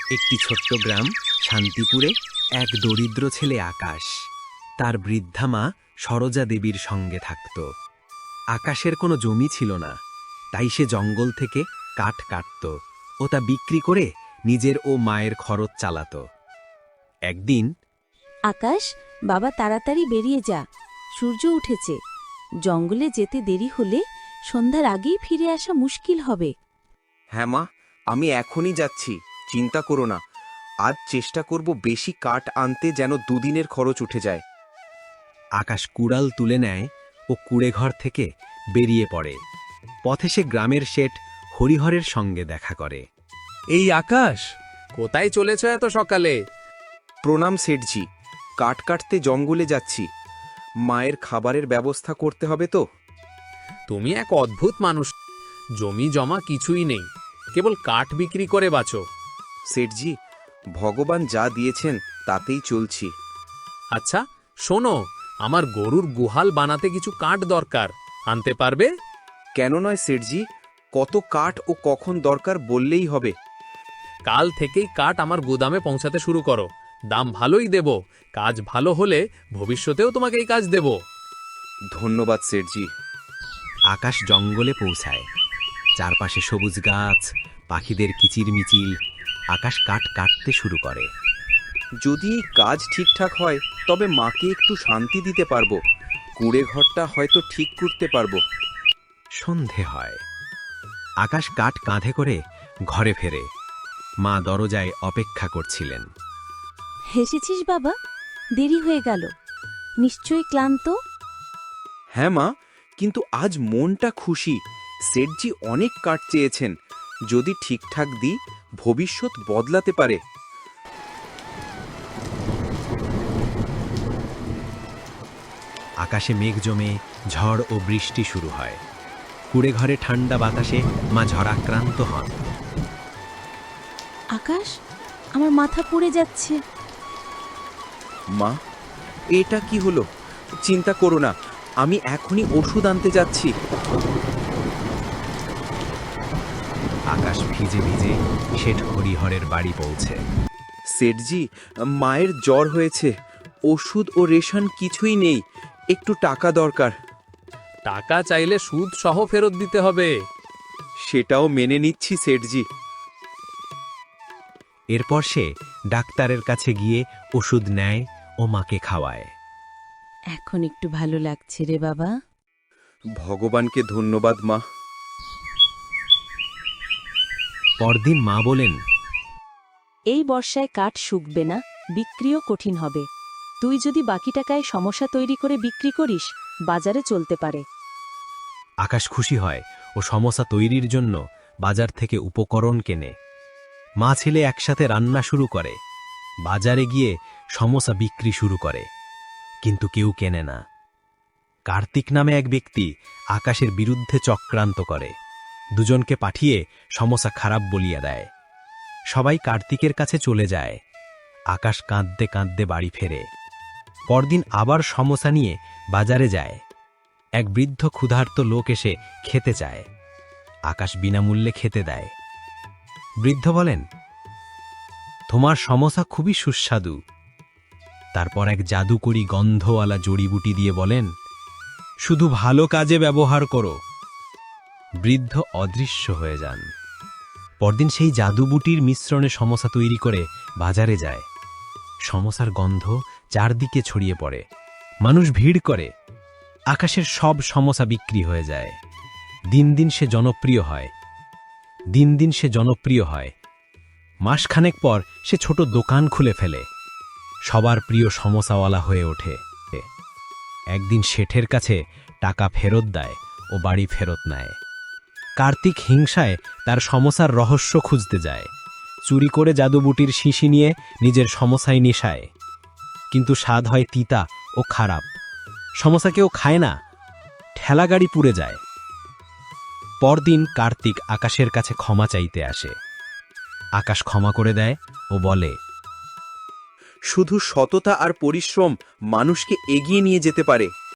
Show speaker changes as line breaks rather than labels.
একটি ছোট্ট গ্রাম শান্তিপুরে এক দরিদ্র ছেলে আকাশ তার বৃদ্ধা মা সরোজা দেবীর সঙ্গে থাকত। আকাশের কোনো জমি ছিল না, তাই সে জঙ্গল থেকে কাঠ কাটত ও তা বিক্রি করে নিজের ও মায়ের খরচ চালাত। একদিন
আকাশ, বাবা তাড়াতাড়ি বেরিয়ে যা, সূর্য উঠেছে। জঙ্গলে যেতে দেরি হলে সন্ধ্যার আগেই ফিরে আসা মুশকিল হবে।
হ্যাঁ মা, আমি এখনই যাচ্ছি, চিন্তা করো না। আজ চেষ্টা করব বেশি কাঠ আনতে, যেন দুদিনের খরচ উঠে যায়।
আকাশ কুড়াল তুলে নেয় ও কুড়েঘর থেকে বেরিয়ে পড়ে। পথে সে গ্রামের শেঠ হরিহরের সঙ্গে দেখা করে।
এই আকাশ, কোথায় চলেছ এত সকালে?
প্রণাম সেঠজি, কাঠ কাটতে জঙ্গলে যাচ্ছি। মায়ের খাবারের ব্যবস্থা করতে হবে তো।
তুমি এক অদ্ভুত মানুষ। জমি জমা কিছুই নেই, কেবল কাঠ বিক্রি করে বাঁচো।
সেঠজি, ভগবান যা দিয়েছেন তাতেই চলছি।
আচ্ছা শোনো, আমার গরুর গুহাল বানাতে কিছু কাঠ দরকার, আনতে পারবে?
কেন নয় সেঠজি, কত কাঠ ও কখন দরকার বললেই হবে।
কাল থেকেই কাঠ আমার গুদামে পৌঁছাতে শুরু করো, দাম ভালোই দেব। কাজ ভালো হলে ভবিষ্যতেও তোমাকে এই কাজ দেব।
ধন্যবাদ সেঠজি।
আকাশ জঙ্গলে পৌঁছায়। চারপাশে সবুজ গাছ, পাখিদের কিচিরমিচিল। আকাশ কাঠ কাটতে শুরু করে।
যদি এই কাজ ঠিকঠাক হয় তবে মাকে একটু শান্তি দিতে পারবো। কুড়ে ঘরটা হয়তো ঠিক করতে পারবো।
সন্ধে হয়। আকাশ কাঠ কাঁধে করে ঘরে ফেরে। মা দরজায় অপেক্ষা করছিলেন।
হেসেছিস বাবা? দেরি হয়ে গেল, নিশ্চয়ই ক্লান্ত।
হ্যাঁ মা, কিন্তু আজ মনটা খুশি। সেঠজি অনেক কাঠ চেয়েছেন, যদি ঠিকঠাক দিই ভবিষ্যৎ বদলাতে পারে।
আকাশে মেঘ জমে ঝড় ও বৃষ্টি শুরু হয়। কুড়ে ঘরে ঠান্ডা বাতাসে মা ঝড়াক্রান্ত হন।
আকাশ, আমার মাথা পড়ে যাচ্ছে।
মা, এটা কি হলো? চিন্তা করো না, আমি এখনই ওষুধ আনতে যাচ্ছি।
আকাশ ভিজে ভিজে শেঠ হরিহরের বাড়ি পৌঁছে।
সেঠজি, মায়ের জ্বর হয়েছে, ওষুধ ও রেশন কিছুই নেই, একটু টাকা দরকার।
টাকা চাইলে সুদ সহ ফেরত দিতে হবে।
সেটাও মেনে নিচ্ছি সেঠজি।
এরপর সে ডাক্তারের কাছে গিয়ে ওষুধ নেয় ও মাকে খাওয়ায়।
এখন একটু ভালো লাগছে রে বাবা।
ভগবানকে ধন্যবাদ মা।
পরদিন মা বলেন,
এই বর্ষায় কাঠ শুকবে না, বিক্রিও কঠিন হবে। তুই যদি বাকি টাকায় সমস্যা তৈরি করে বিক্রি করিস, বাজারে চলতে পারে।
আকাশ খুশি হয় ও সমস্যা তৈরির জন্য বাজার থেকে উপকরণ কেনে। মা ছেলে একসাথে রান্না শুরু করে। বাজারে গিয়ে সমস্যা বিক্রি শুরু করে, কিন্তু কেউ কেনে না। কার্তিক নামে এক ব্যক্তি আকাশের বিরুদ্ধে চক্রান্ত করে। দুজনকে পাঠিয়ে সমস্যা খারাপ বলিয়া দেয়। সবাই কার্তিকের কাছে চলে যায়। আকাশ কাঁদতে কাঁদতে বাড়ি ফেরে। পরদিন আবার সমস্যা নিয়ে বাজারে যায়। এক বৃদ্ধ ক্ষুধার্ত লোক এসে খেতে চায়। আকাশ বিনামূল্যে খেতে দেয়। বৃদ্ধ বলেন, তোমার সমস্যা খুবই সুস্বাদু। তারপর এক জাদুকরি গন্ধওয়ালা জড়িবুটি দিয়ে বলেন, শুধু ভালো কাজে ব্যবহার করো। বৃদ্ধ অদৃশ্য হয়ে যান। পরদিন সেই জাদুবুটির মিশ্রণে সমস্যা তৈরি করে বাজারে যায়। সমস্যার গন্ধ চারদিকে ছড়িয়ে পড়ে। মানুষ ভিড় করে। আকাশের সব সমস্যা বিক্রি হয়ে যায়। দিন দিন সে জনপ্রিয় হয়। মাসখানেক পর সে ছোট দোকান খুলে ফেলে। সবার প্রিয় সমস্যাওয়ালা হয়ে ওঠে। একদিন শেঠের কাছে টাকা ফেরত দেয় ও বাড়ি ফেরত নেয়। কার্তিক হিংসায় তার সমস্যার রহস্য খুঁজতে যায়। চুরি করে জাদুবুটির শিশি নিয়ে নিজের সমস্যায় নেশায়। কিন্তু স্বাদ হয় তিতা ও খারাপ। সমস্যা কেউ খায় না, ঠেলাগাড়ি পুড়ে যায়। পরদিন কার্তিক আকাশের কাছে ক্ষমা চাইতে আসে। আকাশ ক্ষমা করে দেয় ও বলে,
শুধু সততা আর পরিশ্রম মানুষকে এগিয়ে নিয়ে যেতে পারে।